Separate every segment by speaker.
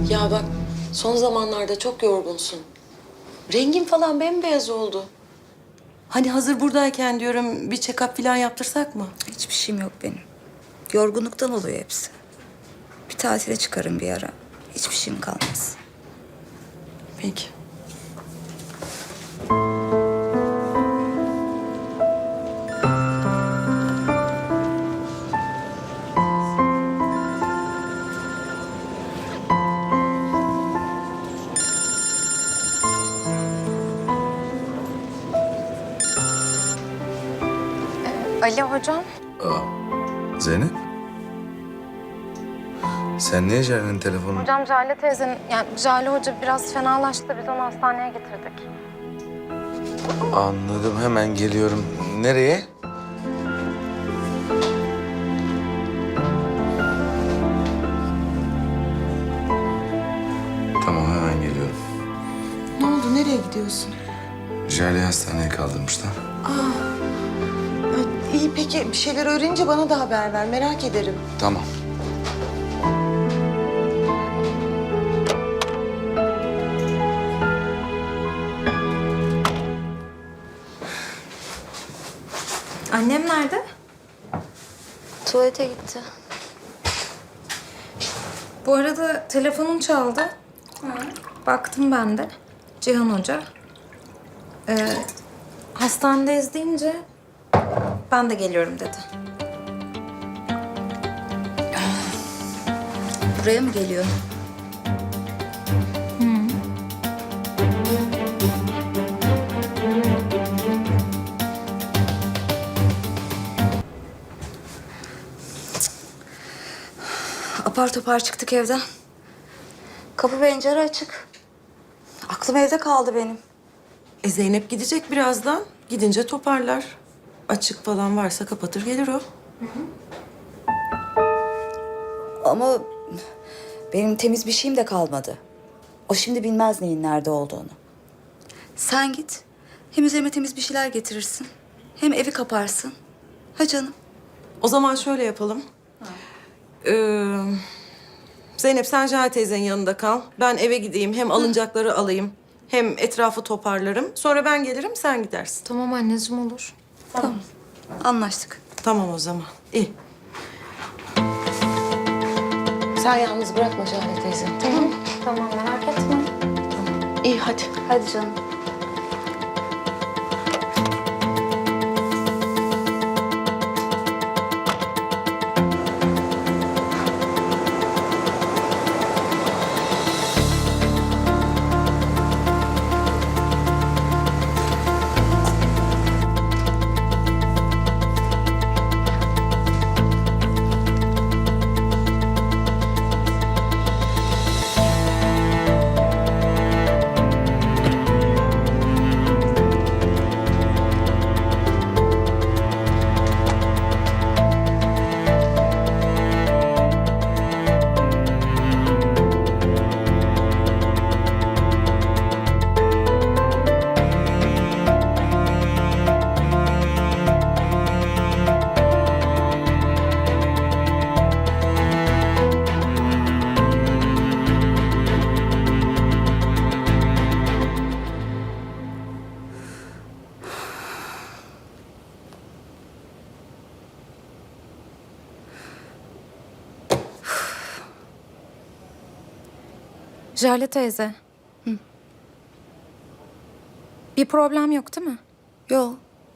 Speaker 1: Ya bak, son zamanlarda çok yorgunsun. Rengin falan bembeyaz oldu. Hani hazır buradayken diyorum bir check-up falan yaptırsak mı?
Speaker 2: Hiçbir şeyim yok benim. Yorgunluktan oluyor hepsi. Bir tatile çıkarım bir ara. Hiçbir şeyim kalmaz.
Speaker 1: Peki.
Speaker 3: Ali hocam.
Speaker 4: Zeynep? Sen niye Jare'nin telefonunu...
Speaker 3: Hocam Jale teyzenin, yani Jale hoca biraz fenalaştı. Biz onu hastaneye getirdik.
Speaker 4: Anladım, hemen geliyorum. Nereye? Tamam, hemen geliyorum.
Speaker 1: Ne oldu? Nereye gidiyorsun?
Speaker 4: Jale'yi hastaneye kaldırmışlar.
Speaker 1: İyi peki bir şeyler öğrenince bana da haber ver. Merak ederim.
Speaker 4: Tamam.
Speaker 3: Annem nerede?
Speaker 2: Tuvalete gitti.
Speaker 3: Bu arada telefonum çaldı. Baktım ben de. Cihan Hoca. Hastanedeyiz deyince ben de geliyorum dedi.
Speaker 2: Buraya mı geliyor? Apar topar çıktık evden. Kapı pencere açık. Aklım evde kaldı benim.
Speaker 1: Zeynep gidecek birazdan. Gidince toparlar. Açık falan varsa kapatır gelir o.
Speaker 2: Ama benim temiz bir şeyim de kalmadı. O şimdi bilmez neyin nerede olduğunu. Sen git. Hem üzerime temiz bir şeyler getirirsin. Hem evi kaparsın. Ha canım.
Speaker 1: O zaman şöyle yapalım. Zeynep sen Jale teyzenin yanında kal. Ben eve gideyim. Hem alınacakları alayım. Hem etrafı toparlarım. Sonra ben gelirim sen gidersin.
Speaker 3: Tamam anneciğim olur.
Speaker 2: Tamam. Anlaştık.
Speaker 1: Tamam o zaman. İyi. Sen yalnız bırakma Jale teyze. Tamam.
Speaker 3: Tamam merak etme.
Speaker 1: İyi hadi.
Speaker 2: Hadi canım.
Speaker 3: Jale teyze. Bir problem yok değil mi?
Speaker 2: Yok.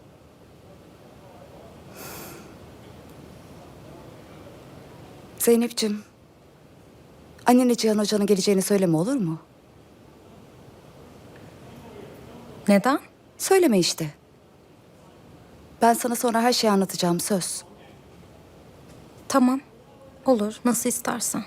Speaker 2: Zeynep'ciğim. Annene Cihan Hoca'nın geleceğini söyleme olur mu?
Speaker 3: Neden?
Speaker 2: Söyleme işte. Ben sana sonra her şeyi anlatacağım söz.
Speaker 3: Tamam. Olur. Nasıl istersen.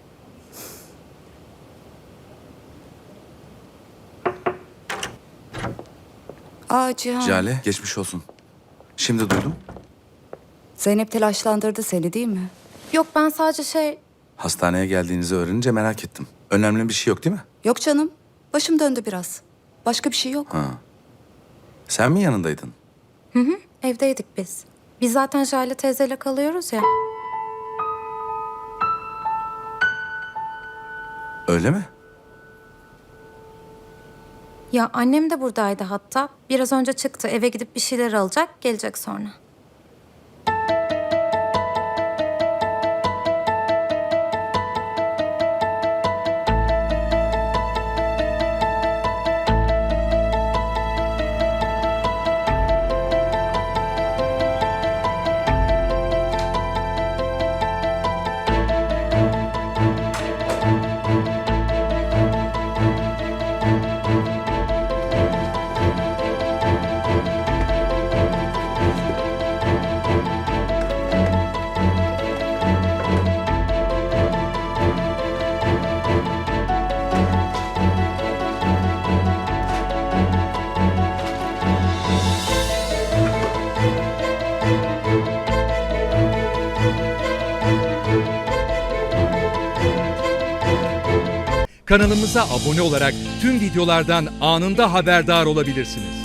Speaker 2: Aa Cihan.
Speaker 4: Jale, geçmiş olsun. Şimdi duydum.
Speaker 2: Zeynep telaşlandırdı seni değil mi?
Speaker 3: Yok ben sadece
Speaker 4: Hastaneye geldiğinizi öğrenince merak ettim. Önemli bir şey yok değil mi?
Speaker 2: Yok canım. Başım döndü biraz. Başka bir şey yok.
Speaker 4: Ha. Sen mi yanındaydın?
Speaker 3: evdeydik biz. Biz zaten Jale teyzeyle kalıyoruz ya.
Speaker 4: Öyle mi?
Speaker 3: Ya annem de buradaydı hatta. Biraz önce çıktı. Eve gidip bir şeyler alacak. Gelecek sonra.
Speaker 5: Kanalımıza abone olarak tüm videolardan anında haberdar olabilirsiniz.